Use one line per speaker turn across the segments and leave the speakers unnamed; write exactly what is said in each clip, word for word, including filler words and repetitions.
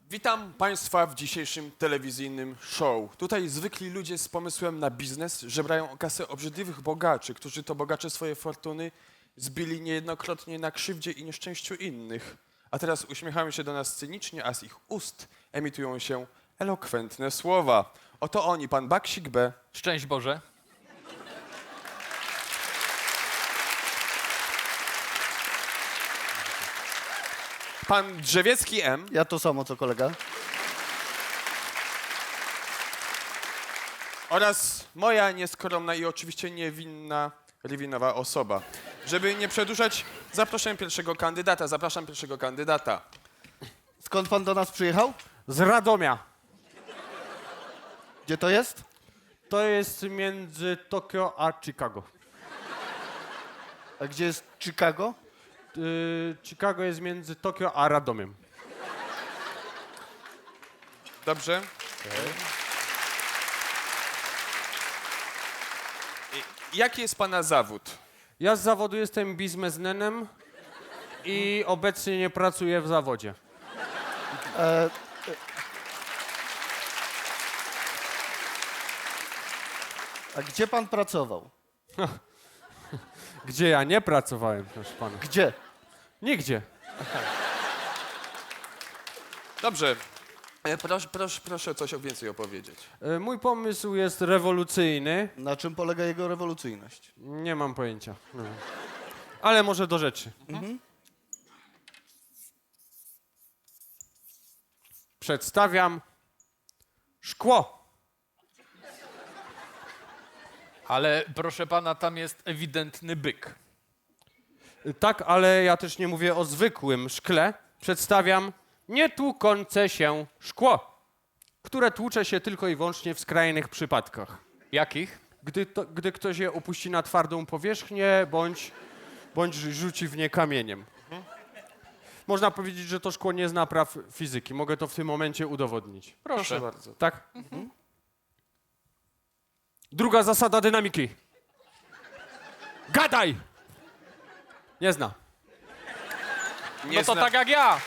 Witam Państwa w dzisiejszym telewizyjnym show. Tutaj zwykli ludzie z pomysłem na biznes żebrają o kasę obrzydliwych bogaczy, którzy to bogacze swoje fortuny zbili niejednokrotnie na krzywdzie i nieszczęściu innych. A teraz uśmiechają się do nas cynicznie, a z ich ust emitują się elokwentne słowa. Oto oni, pan Baksik B.
Szczęść Boże.
Pan Drzewiecki M.
Ja to samo, co kolega.
Oraz moja nieskromna i oczywiście niewinna, rywinowa osoba. Żeby nie przedłużać, zapraszam pierwszego kandydata. Zapraszam pierwszego kandydata.
Skąd pan do nas przyjechał?
Z Radomia.
Gdzie to jest?
To jest między Tokio a Chicago.
A gdzie jest Chicago?
Yy, Chicago jest między Tokio a Radomiem.
Dobrze? I jaki jest pana zawód?
Ja z zawodu jestem biznesmenem i obecnie nie pracuję w zawodzie.
E, a gdzie pan pracował?
Gdzie ja nie pracowałem, proszę pana.
Gdzie?
Nigdzie.
Dobrze. E, Proszę, proszę, proszę coś o więcej opowiedzieć.
Yy, mój pomysł jest rewolucyjny.
Na czym polega jego rewolucyjność?
Nie mam pojęcia. No. Ale może do rzeczy. Przedstawiam szkło.
Ale proszę pana, tam jest ewidentny byk.
Tak, ale ja też nie mówię o zwykłym szkle. Przedstawiam nietłukące się szkło, które tłucze się tylko i wyłącznie w skrajnych przypadkach.
Jakich?
Gdy, to, gdy ktoś je opuści na twardą powierzchnię, bądź, bądź rzuci w nie kamieniem. Można powiedzieć, że to szkło nie zna praw fizyki. Mogę to w tym momencie udowodnić.
Proszę bardzo.
Tak? Druga zasada dynamiki. Gadaj! Nie zna.
Nie
No to
zna-
tak jak ja.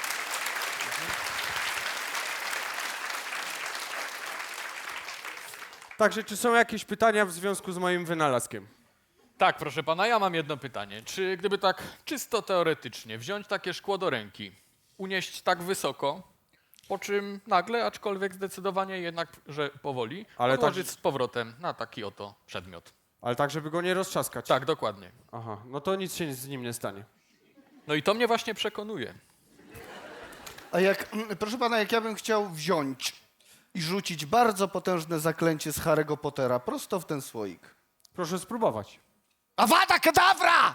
Także czy są jakieś pytania w związku z moim wynalazkiem?
Tak, proszę pana, ja mam jedno pytanie. Czy gdyby tak czysto teoretycznie wziąć takie szkło do ręki, unieść tak wysoko, po czym nagle, aczkolwiek zdecydowanie jednak, że powoli,
Ale
odłożyć
tak-
z powrotem na taki oto przedmiot.
Ale tak, żeby go nie roztrzaskać.
Tak, dokładnie.
Aha, no to nic się z nim nie stanie.
No i to mnie właśnie przekonuje.
A jak, proszę pana, jak ja bym chciał wziąć i rzucić bardzo potężne zaklęcie z Harry'ego Pottera prosto w ten słoik.
Proszę spróbować.
Avada Kedavra!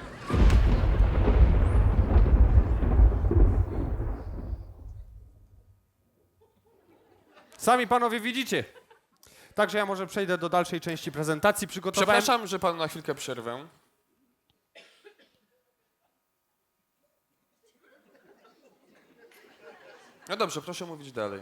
Sami panowie widzicie. Także ja może przejdę do dalszej części prezentacji. Przygotowałem...
Przepraszam, że panu na chwilkę przerwę. No dobrze, proszę mówić dalej.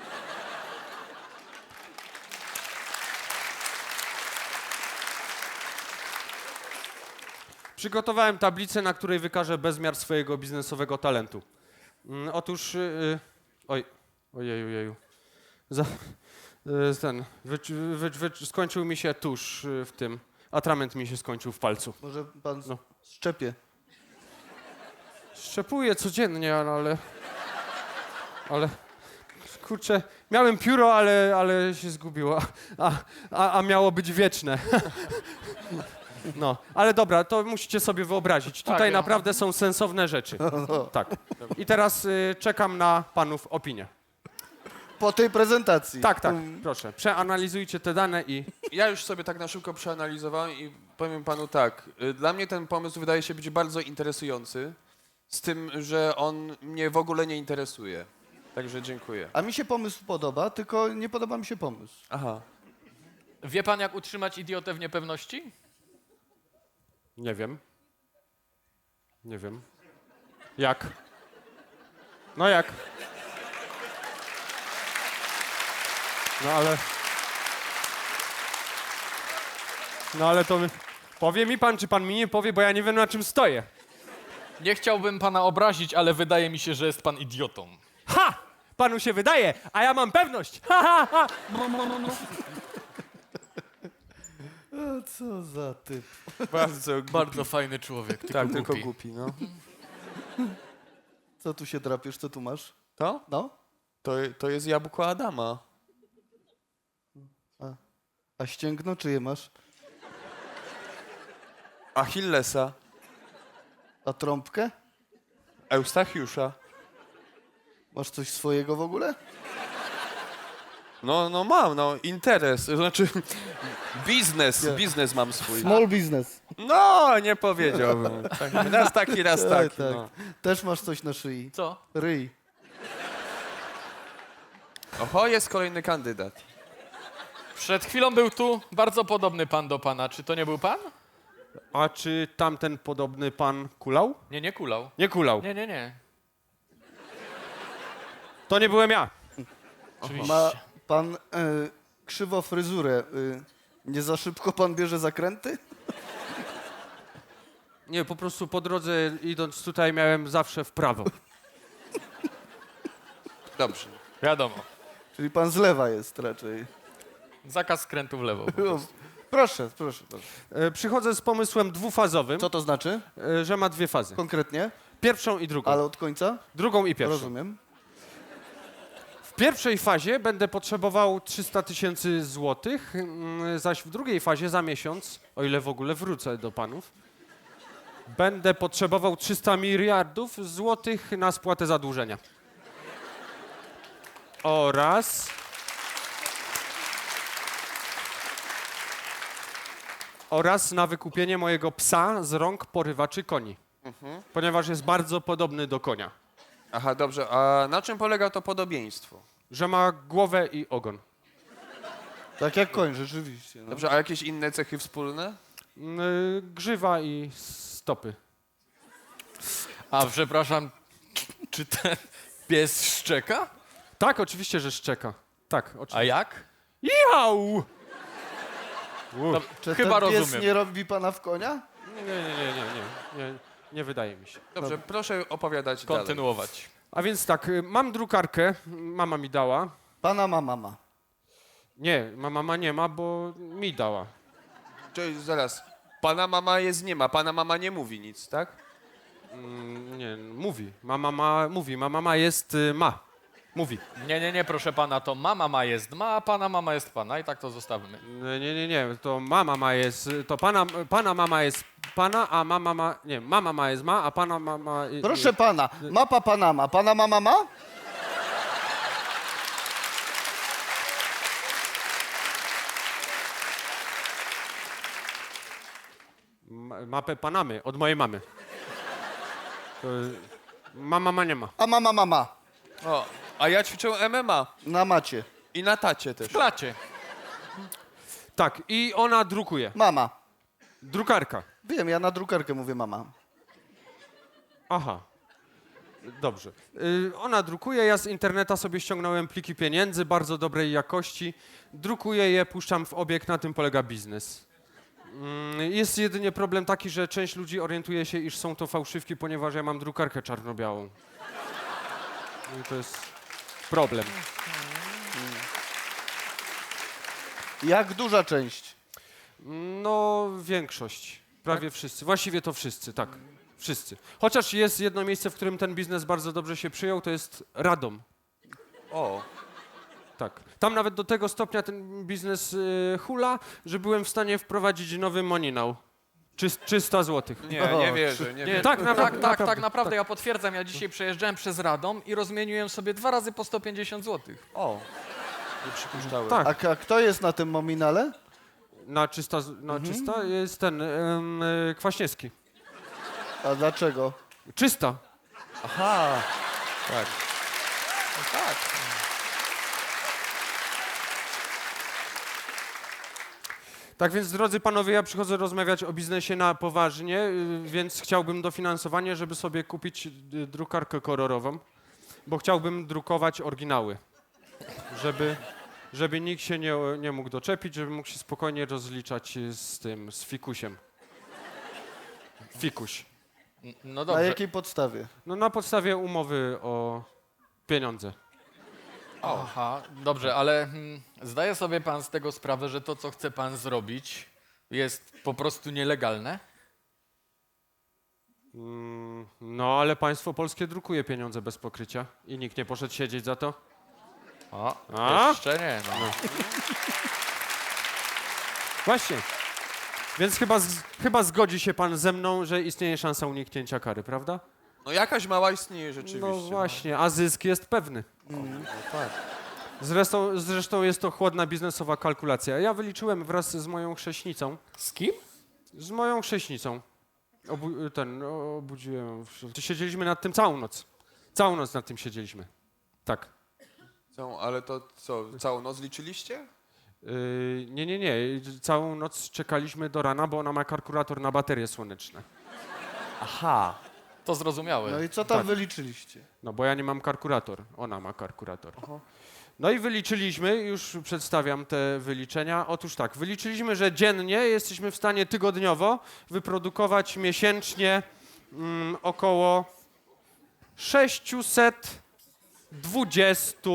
Przygotowałem tablicę, na której wykażę bezmiar swojego biznesowego talentu. Mm, otóż... Yy, oj, ojeju, ojeju. Za, yy, ten, wy, wy, wy, skończył mi się tusz yy, w tym. Atrament mi się skończył w palcu.
Może pan
No.
szczepie.
Szczepuję codziennie, ale... Ale... Kurczę, miałem pióro, ale, ale się zgubiło, a, a, a miało być wieczne. No, ale dobra, to musicie sobie wyobrazić. Tutaj
Tak, ja-
naprawdę są sensowne rzeczy. Tak. I teraz y, czekam na panów opinię.
Po tej prezentacji.
Tak, tak, proszę. Przeanalizujcie te dane i...
Ja już sobie tak na szybko przeanalizowałem i powiem panu tak. y, Dla mnie ten pomysł wydaje się być bardzo interesujący, z tym, że on mnie w ogóle nie interesuje. Także dziękuję.
A mi się pomysł podoba, tylko nie podoba mi się pomysł.
Aha.
Wie pan, jak utrzymać idiotę w niepewności?
Nie wiem. Nie wiem. Jak? No jak? No ale... No ale to... Powie mi pan, czy pan mi nie powie, bo ja nie wiem, na czym stoję.
Nie chciałbym pana obrazić, ale wydaje mi się, że jest pan idiotą.
Ha! Panu się wydaje, a ja mam pewność. Ha, ha, ha.
A co za typ.
Bardzo głupi.
Bardzo fajny człowiek, tylko
Tak,
głupi.
tylko głupi, no.
Co tu się drapiesz, co tu masz?
To?
No?
To, to jest jabłko Adama.
A ścięgno czyje masz?
Achillesa.
A trąbkę?
Eustachiusza.
Masz coś swojego w ogóle?
No, no mam, no, interes, to znaczy biznes,
Nie.
biznes mam swój.
Small business.
No, nie powiedziałbym. Tak, raz taki, raz
Tak,
taki.
tak.
No.
Też masz coś na szyi.
Co?
Ryj.
Oho, jest kolejny kandydat.
Przed chwilą był tu bardzo podobny pan do pana. Czy to nie był pan?
A czy tamten podobny pan kulał?
Nie, nie kulał.
Nie kulał.
Nie, nie, nie.
To nie byłem ja.
Oczywiście.
Ma pan e, krzywo fryzurę. E, nie za szybko pan bierze zakręty?
Nie, po prostu po drodze idąc tutaj miałem zawsze w prawo.
Dobrze.
Wiadomo.
Czyli pan z lewa jest raczej.
Zakaz skrętu w lewo.
O, proszę, proszę, proszę.
E, Przychodzę z pomysłem dwufazowym,
Co to znaczy
e, że ma dwie fazy.
konkretnie?
Pierwszą i drugą.
Ale od końca?
Drugą i pierwszą.
Rozumiem.
W pierwszej fazie będę potrzebował trzysta tysięcy złotych, mm, zaś w drugiej fazie za miesiąc, o ile w ogóle wrócę do panów, będę potrzebował trzysta miliardów złotych na spłatę zadłużenia. Oraz... Oraz na wykupienie mojego psa z rąk porywaczy koni. Ponieważ jest bardzo podobny do konia.
Aha, dobrze. A na czym polega to podobieństwo?
Że ma głowę i ogon.
Tak jak koń, rzeczywiście. No.
Dobrze, a jakieś inne cechy wspólne?
Mm, y, Grzywa i stopy.
A przepraszam, czy ten pies szczeka?
Tak, oczywiście, że szczeka. Tak,
A
oczywiście.
jak?
Jau!
No,
Czy
chyba
ten pies
rozumiem.
nie robi pana w konia?
Nie, nie, nie, nie, nie, nie, nie wydaje mi się.
Dobrze, proszę opowiadać dalej.
Kontynuować.
A więc tak, y, mam drukarkę, mama mi dała.
Pana ma mama.
Nie, ma mama nie ma, bo mi dała.
Czyli zaraz. Pana mama jest nie ma, pana mama nie mówi nic, tak?
Mm, nie, mówi. Mama ma, mówi, ma mama jest, y, ma. Mówi.
Nie, nie, nie, proszę pana, to mama ma jest ma, a pana mama jest pana i tak to zostawmy.
Nie, nie, nie, nie, to mama ma jest, to pana, pana mama jest pana, a mama ma, nie, mama ma jest ma, a pana mama... y,
Proszę pana, mapa Panama. Pana mama ma?
Ma- Mapę Panamy, od mojej mamy. To, mama ma nie ma.
A mama mama.
O, a ja ćwiczę M M A
Na macie.
i na tacie też.
W klacie.
Tak, i ona drukuje.
Mama.
Drukarka.
Wiem, ja na drukarkę mówię mama.
Aha. Dobrze. Y, ona drukuje, ja z interneta sobie ściągnąłem pliki pieniędzy bardzo dobrej jakości. Drukuję je, puszczam w obieg, na tym polega biznes. Mm, Jest jedynie problem taki, że część ludzi orientuje się, iż są to fałszywki, ponieważ ja mam drukarkę czarno-białą. I to jest problem.
Jak duża część?
No, większość. Prawie wszyscy. Właściwie to wszyscy, tak. Wszyscy. Chociaż jest jedno miejsce, w którym ten biznes bardzo dobrze się przyjął, to jest Radom.
O,
Tak. Tam nawet do tego stopnia ten biznes y, hula, że byłem w stanie wprowadzić nowy moninał. Czyst, trzysta złotych.
nie,
O,
nie wierzę, nie
Nie,
wierzę.
tak,
tak,
naprawdę,
tak, tak,
naprawdę,
naprawdę, ja potwierdzam, ja dzisiaj przejeżdżałem przez Radom i rozmieniłem sobie dwa razy po sto pięćdziesiąt złotych.
O, nie przypuszczałem.
Tak.
A, k- a kto jest na tym mominale?
Na czysta, z- na czysta jest ten ym, y, Kwaśniewski.
A dlaczego?
Czysta.
Aha, tak. No tak.
Tak więc, drodzy panowie, ja przychodzę rozmawiać o biznesie na poważnie, y, więc chciałbym dofinansowanie, żeby sobie kupić y, drukarkę kolorową, bo chciałbym drukować oryginały, żeby, żeby nikt się nie, nie mógł doczepić, żeby mógł się spokojnie rozliczać y, z tym, z fikusiem. Fikuś.
N- No
Na
dobrze.
jakiej podstawie?
No na podstawie umowy o pieniądze.
Aha, dobrze, ale hmm, zdaje sobie pan z tego sprawę, że to, co chce pan zrobić, jest po prostu nielegalne?
Mm, no, ale państwo polskie drukuje pieniądze bez pokrycia i nikt nie poszedł siedzieć za to.
O,
A?
jeszcze nie, no.
Właśnie. Więc chyba, z, chyba zgodzi się pan ze mną, że istnieje szansa uniknięcia kary, prawda?
No jakaś mała istnieje rzeczywiście.
No właśnie, a zysk jest pewny.
No tak.
Zresztą, zresztą jest to chłodna biznesowa kalkulacja. Ja wyliczyłem wraz z moją chrześnicą.
Z kim?
Z moją chrześnicą. Obu, ten, no, obudziłem. Siedzieliśmy nad tym całą noc. Całą noc nad tym siedzieliśmy. Tak.
Co, ale to co, całą noc liczyliście?
Yy, nie, nie, nie. Całą noc czekaliśmy do rana, bo ona ma kalkulator na baterie słoneczne.
Aha.
To zrozumiałe.
No i co tam
Tak.
wyliczyliście?
No bo ja nie mam kalkulator, ona ma kalkulator. No i wyliczyliśmy, już przedstawiam te wyliczenia. Otóż tak, wyliczyliśmy, że dziennie jesteśmy w stanie tygodniowo wyprodukować miesięcznie mm, około sześćset dwadzieścia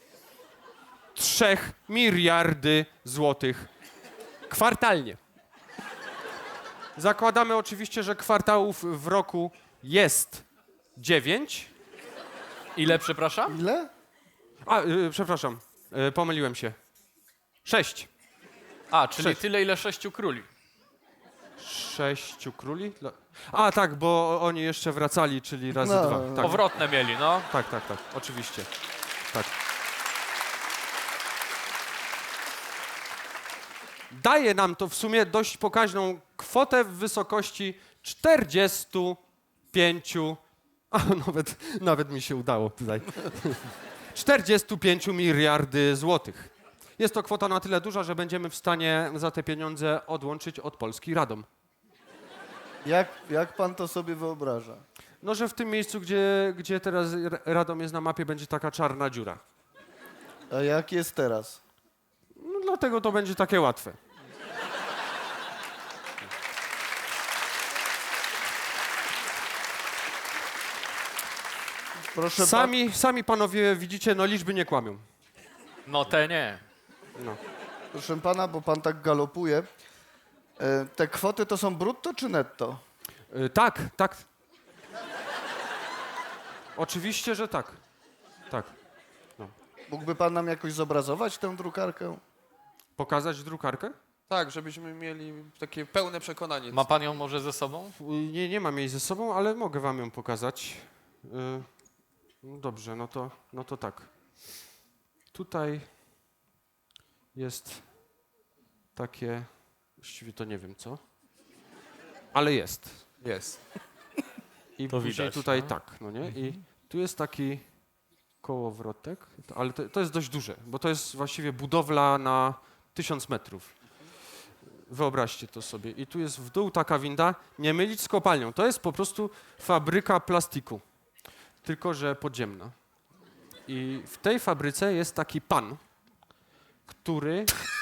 trzy miliardy złotych kwartalnie. Zakładamy oczywiście, że kwartałów w roku jest dziewięć.
Ile, przepraszam?
Ile?
A, y, przepraszam, y, pomyliłem się. Sześć.
A, czyli
Sześć.
tyle, ile sześciu króli.
Sześciu króli? Dla- A, tak, bo oni jeszcze wracali, czyli razy
No.
dwa. Tak,
Powrotne mieli, no.
tak, tak, tak, oczywiście. Tak. Daje nam to w sumie dość pokaźną kwotę w wysokości czterdziestu pięciu. A, nawet, nawet mi się udało tutaj. czterdziestu pięciu miliardy złotych. Jest to kwota na tyle duża, że będziemy w stanie za te pieniądze odłączyć od Polski Radom.
Jak, jak pan to sobie wyobraża?
No, że w tym miejscu, gdzie, gdzie teraz R- Radom jest na mapie, będzie taka czarna dziura.
A jak jest teraz?
No, dlatego to będzie takie łatwe.
Proszę pan,
Sami, sami panowie widzicie, no liczby nie kłamią.
No te nie.
No.
proszę pana, bo pan tak galopuje. E, te kwoty to są brutto czy netto?
Y, tak, tak. Oczywiście, że tak. Tak.
Mógłby pan nam jakoś zobrazować tę drukarkę?
Pokazać drukarkę?
Tak, żebyśmy mieli takie pełne przekonanie.
Ma pan ją może ze sobą?
Y, Nie, nie mam jej ze sobą, ale mogę wam ją pokazać. Y, no dobrze, no to, no to tak. Tutaj jest takie, właściwie to nie wiem co, ale jest.
Jest.
I
To
później
widać,
tutaj
no.
tak, no nie? I tu jest taki kołowrotek, to- ale to, to jest dość duże, bo to jest właściwie budowla na tysiąc metrów. Wyobraźcie to sobie. I tu jest w dół taka winda, nie mylić z kopalnią. To jest po prostu fabryka plastiku, tylko że podziemna. I w tej fabryce jest taki pan, który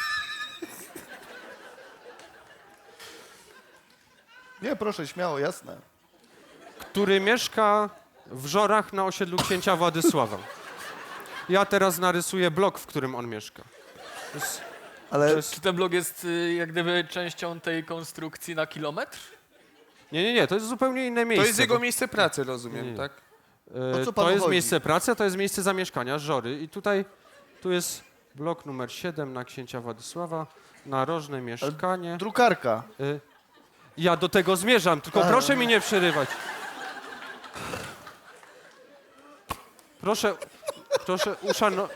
Nie, proszę, śmiało, jasne.
który mieszka w Żorach na osiedlu księcia Władysława. Ja teraz narysuję blok, w którym on mieszka. To jest,
Ale
to jest,
Czy ten blok jest y, jak gdyby częścią tej konstrukcji na kilometr?
nie, nie, nie, to jest zupełnie inne
To
miejsce.
jest jego
bo-
miejsce pracy, rozumiem,
Nie, nie.
tak?
E,
O co panu
to jest
chodzi?
miejsce pracy, a to jest miejsce zamieszkania, Żory. I tutaj, tu jest blok numer siedem na księcia Władysława, narożne mieszkanie.
drukarka.
E, ja do tego zmierzam, tylko
A.
proszę mi nie przerywać. Proszę, proszę uszanować.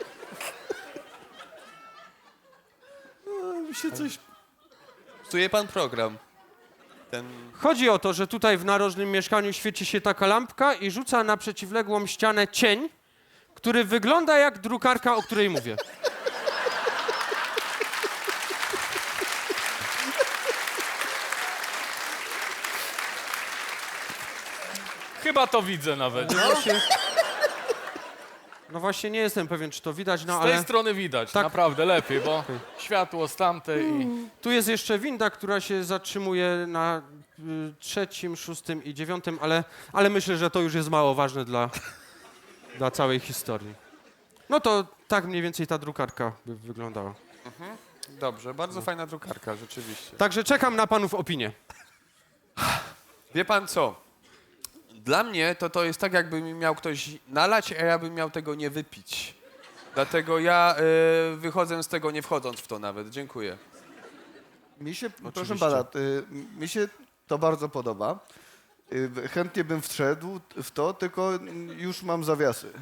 Mi się coś...
Psuje pan program. Ten...
Chodzi o to, że tutaj w narożnym mieszkaniu świeci się taka lampka i rzuca na przeciwległą ścianę cień, który wygląda jak drukarka, o której mówię.
Chyba to widzę nawet.
No właśnie, no właśnie nie jestem pewien, czy to widać, no
Z tej
ale
strony widać,
Tak.
naprawdę lepiej, bo światło z tamtej i...
tu jest jeszcze winda, która się zatrzymuje na y, trzecim, szóstym i dziewiątym, ale, ale myślę, że to już jest mało ważne dla, dla całej historii. No to tak mniej więcej ta drukarka by wyglądała.
Dobrze, bardzo fajna drukarka, rzeczywiście.
Także czekam na panów opinię.
Wie pan co? Dla mnie to to jest tak, jakby mi miał ktoś nalać, a ja bym miał tego nie wypić. Dlatego ja y, wychodzę z tego nie wchodząc w to nawet. Dziękuję.
Mi się, proszę
Oczywiście.
pana, y, mi się to bardzo podoba. Y, chętnie bym wszedł w to, tylko już mam zawiasy.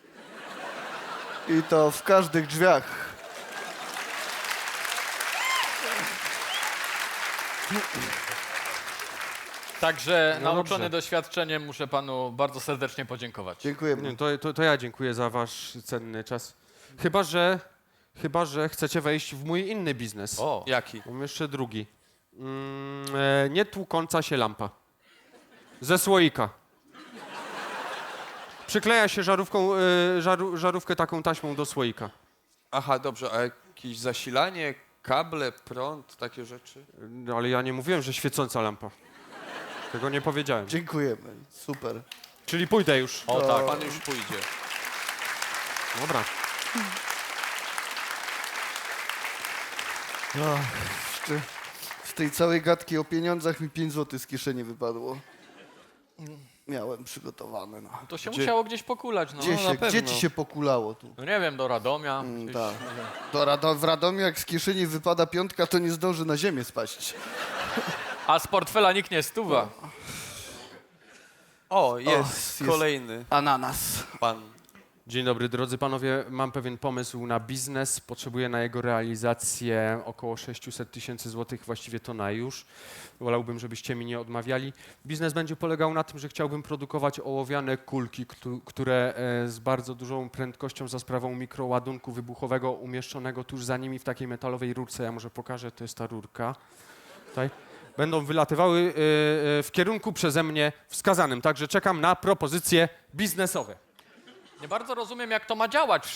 I to w każdych drzwiach.
Także
No
nauczony
dobrze.
doświadczeniem muszę panu bardzo serdecznie podziękować.
Dziękujemy.
Nie, to, to, to ja dziękuję za wasz cenny czas. Chyba, że, chyba, że chcecie wejść w mój inny biznes.
O,
Jaki?
Mam jeszcze drugi. Mm, e, nie tłukąca się lampa. Ze słoika. Przykleja się żarówką, e, żaru, żarówkę taką taśmą do słoika.
Aha, dobrze, a jakieś zasilanie, kable, prąd, takie rzeczy?
No, ale ja nie mówiłem, że świecąca lampa. Tego nie powiedziałem.
Dziękujemy. Super.
Czyli pójdę już.
o tak.
Pan już pójdzie.
Dobra.
Jeszcze z tej całej gadki o pieniądzach mi pięć złotych z kieszeni wypadło. Miałem przygotowane. No.
To się
Gdzie-
musiało gdzieś pokulać, no.
Gdzie,
na
się, gdzie
pewno.
ci się pokulało tu?
No nie wiem, do Radomia.
Mm,
gdzieś-
tak. Do Rado- w Radomiu jak z kieszeni wypada piątka, to nie zdąży na ziemię spaść.
A z portfela nikt nie stuwa.
O, jest,
jest.
kolejny
Ananas.
pan.
Dzień dobry, drodzy panowie. Mam pewien pomysł na biznes. Potrzebuję na jego realizację około sześćset tysięcy złotych, właściwie to na już. Wolałbym, żebyście mi nie odmawiali. Biznes będzie polegał na tym, że chciałbym produkować ołowiane kulki, któ- które e, z bardzo dużą prędkością za sprawą mikroładunku wybuchowego umieszczonego tuż za nimi w takiej metalowej rurce. Ja może pokażę, to jest ta rurka. Tutaj. Będą wylatywały e, e, w kierunku przeze mnie wskazanym. Także czekam na propozycje biznesowe.
Nie bardzo rozumiem, jak to ma działać.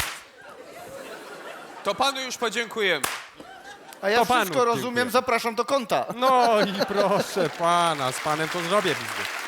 To panu już podziękujemy.
A ja
To panu
wszystko rozumiem,
dziękuję.
zapraszam do konta.
No i proszę pana, z panem to zrobię biznes.